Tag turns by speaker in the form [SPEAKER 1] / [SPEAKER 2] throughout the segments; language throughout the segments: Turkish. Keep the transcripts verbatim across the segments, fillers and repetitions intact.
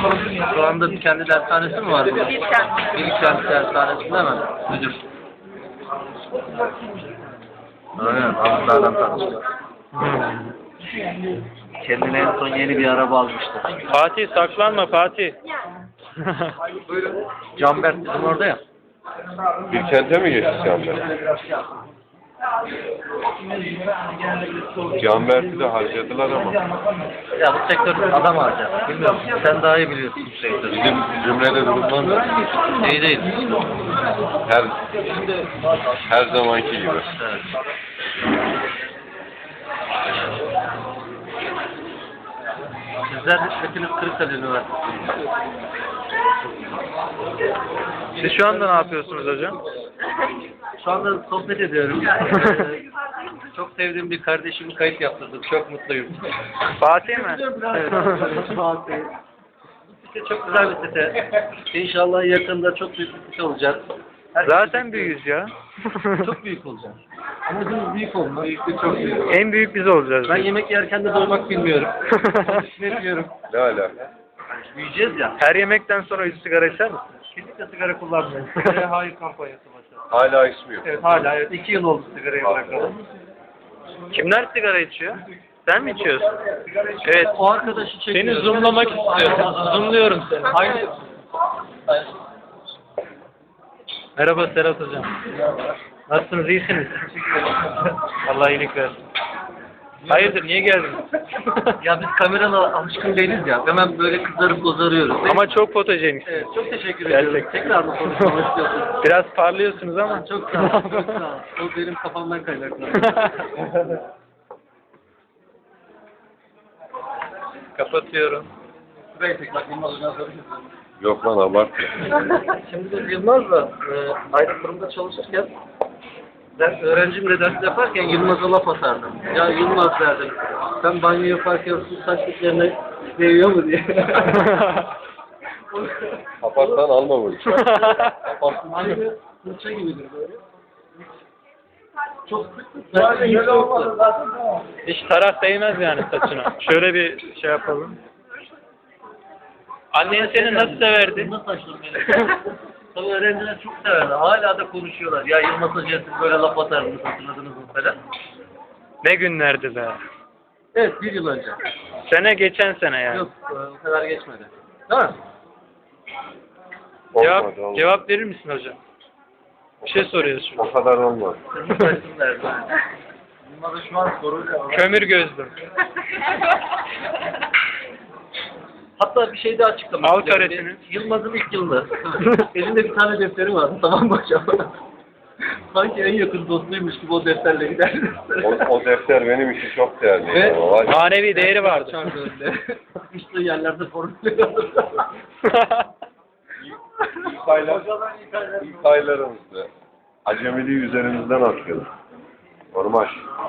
[SPEAKER 1] Şu anda bir kendi dershanesi mi var burada?
[SPEAKER 2] Bilkent.
[SPEAKER 1] Bilkent dershanesinde mi? Müdür. Aynen, Ankara'dan tanıştık. Kendine en son yeni bir araba almıştı.
[SPEAKER 3] Fatih saklanma Fatih.
[SPEAKER 1] Buyurun. Canberk bizim orada ya.
[SPEAKER 4] Bir kente mi geçti Canberk? Canberk'i de harcadılar ama.
[SPEAKER 1] Ya bu sektör adam harcar. Bilmiyorum. Sen daha iyi biliyorsun bu sektörü.
[SPEAKER 4] Bizim cümlede durumdan da
[SPEAKER 1] İyi değil.
[SPEAKER 4] her her zamanki gibi.
[SPEAKER 1] Evet. Sizler hepiniz Kırıkkale Üniversitesi'nde.
[SPEAKER 3] Siz şu anda ne yapıyorsunuz hocam?
[SPEAKER 1] Şu anda sohbet ediyorum. Ee, çok sevdiğim bir kardeşimi kayıt yaptırdım. Çok mutluyum.
[SPEAKER 3] Fatih mi?
[SPEAKER 1] Evet. Bu site çok güzel bir site. İnşallah yakında çok büyük bir site olacak.
[SPEAKER 3] Zaten büyüğüz ya.
[SPEAKER 1] Çok büyük olacak. Amacımız büyük olmak. Büyüklük çok büyük.
[SPEAKER 3] En büyük biz olacağız.
[SPEAKER 1] Ben yemek yerken de doymak bilmiyorum. Düşünemiyorum.
[SPEAKER 4] Ne alaka?
[SPEAKER 1] Büyüyeceğiz ya.
[SPEAKER 3] Her yemekten sonra yüz sigara içer misin?
[SPEAKER 1] Kesinlikle sigara kullanmıyorum. Hayır kampanyası başladı.
[SPEAKER 4] Hala ismi yok.
[SPEAKER 1] Evet hala evet. İki yıl oldu sigarayı bırakalı.
[SPEAKER 3] Kimler sigara içiyor? Sen mi içiyorsun? Evet.
[SPEAKER 1] O arkadaşı
[SPEAKER 3] Seni
[SPEAKER 1] çekiyorum.
[SPEAKER 3] zoomlamak istiyorum. Zoomluyorum seni.
[SPEAKER 1] Hayır.
[SPEAKER 3] Merhaba Serhat hocam. Nasılsınız? İyisiniz? Allah iyilik versin. Hayırdır? Niye geldiniz?
[SPEAKER 1] Ya biz kameralara alışkın değiliz ya. Hemen böyle kızarıp bozarıyoruz.
[SPEAKER 3] Ama çok fotojenik.
[SPEAKER 1] Evet, çok teşekkür
[SPEAKER 3] Gerçekten.
[SPEAKER 1] ediyorum. Tekrar mı konuşmak istiyorsunuz?
[SPEAKER 3] Biraz parlıyorsunuz ama.
[SPEAKER 1] Çok sağ ol, çok sağ ol. O benim kafamdan kaynaklı.
[SPEAKER 3] Kapatıyorum.
[SPEAKER 1] Burayı tek bak, Yılmaz Hoca'na sorayım.
[SPEAKER 4] Yok lan abartma.
[SPEAKER 1] Şimdi biz Yılmaz'la e, aynı kurumda çalışırken ben öğrencimle ders yaparken Yılmaz'a laf atardım. Ya Yılmaz derdim, sen banyo yaparken su saç diplerine değiyor mu diye.
[SPEAKER 4] Kapatsan alma bunu.
[SPEAKER 1] Aynı fırça gibidir böyle. Çok sık sık. Zaten hiç olmadı zaten.
[SPEAKER 3] Hiç taraf değmez yani saçına. Şöyle bir şey yapalım. Annen seni nasıl severdi?
[SPEAKER 1] Nasıl saçlarım benim? Tabii öğrenciler çok severdi. Hala da konuşuyorlar. Ya Yılmaz Hoca'ya siz böyle laf atardınız, hatırladınız mı falan.
[SPEAKER 3] Ne günlerdi be.
[SPEAKER 1] Evet, bir yıl önce.
[SPEAKER 3] Sene geçen sene yani.
[SPEAKER 1] Yok, e, o kadar geçmedi. Değil mi?
[SPEAKER 3] Cevap,
[SPEAKER 4] Olmadı, olmadı.
[SPEAKER 3] cevap verir misin hocam? Bir şey soruyoruz şimdi.
[SPEAKER 4] O kadar olmaz.
[SPEAKER 1] Kırmızı saçlı derdi. Yılmaz'a şu an soruyla.
[SPEAKER 3] Kömür gözlüm.
[SPEAKER 1] Hatta bir şey daha açıklamak
[SPEAKER 3] Al
[SPEAKER 1] istiyorum.
[SPEAKER 3] karesini.
[SPEAKER 1] Yılmaz'ın ilk yılında. Elinde bir tane defteri vardı. Tamam mı hocam? Sanki en yakın dostuymuş gibi o defterle giderdi.
[SPEAKER 4] O, o defter benim için çok değerli.
[SPEAKER 1] Ve-
[SPEAKER 4] ama var ya,
[SPEAKER 3] Manevi değeri vardı.
[SPEAKER 1] Çarpı önünde. Sıkıştığı yerlerde formülleri alırdı.
[SPEAKER 4] ilk, aylar, ilk aylarımızda acemiliği üzerimizden atıyorduk. Normal.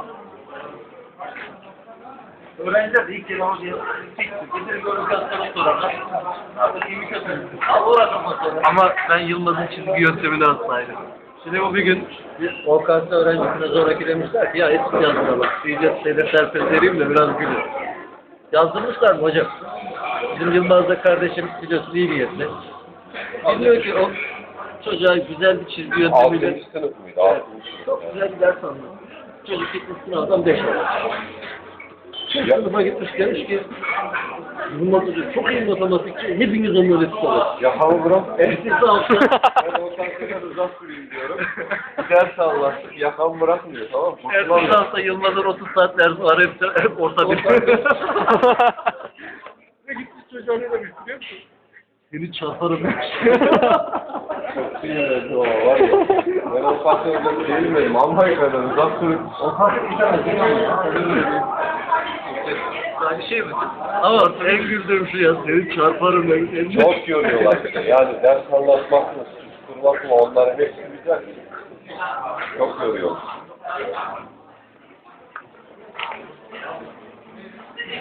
[SPEAKER 1] Öğrenciler de ilk kere ama diye gelir organizasyonu sorarlar. Abi iyi mi kötü mü? Al uğraşma sonra. Ama ben Yılmaz'ın çizgi yöntemini aslaydım. Şimdi o bir gün bir O K S öğrencisine zoraki demişler ki ya eski yazdıralım. İyice hedefler vereyim de biraz gülür. Yazdırmışlar mı hocam? Bizim Yılmaz'da kardeşim biliyorsun iyi niyetli. Bilmiyor ki o çocuğa güzel bir çizgi yöntemiyle
[SPEAKER 4] Altıncı sınıf mıydı? Altıncı sınıf.
[SPEAKER 1] çok güzel bir ders anlattı. Çocuk gitmiş sınavdan beş aldı.
[SPEAKER 4] Ya-
[SPEAKER 1] Sınıfa gitmiş demiş ki Yılmaz Hoca çok iyi matematikçi, hepiniz onu öyle tutalım.
[SPEAKER 4] Ya hamı bırak.
[SPEAKER 1] Ehlisi altı.
[SPEAKER 4] Ben o kadar uzak süreyim diyorum. Bir ders anlattık. Yakamı bırakmıyor tamam mı?
[SPEAKER 1] Ehlisi altı Yılmaz'ın otuz saat dersi var, hep, hep orta bir. Ve gitmiş çocuğa ne demiş biliyor musun? Seni çarparım demiş.
[SPEAKER 4] Çok sinirlendi o var ya. Ben o kadar uzak değilmedim. Allah'a kadar uzak sürüp.
[SPEAKER 1] O kadar yani şey mi? Ama en güldüğüm şu ya, seni çarparım demiş.
[SPEAKER 4] Çok yoruyorlar işte. Yani ders anlatmak mı, susturmak mı onların hepsi güzel. Çok yoruyor.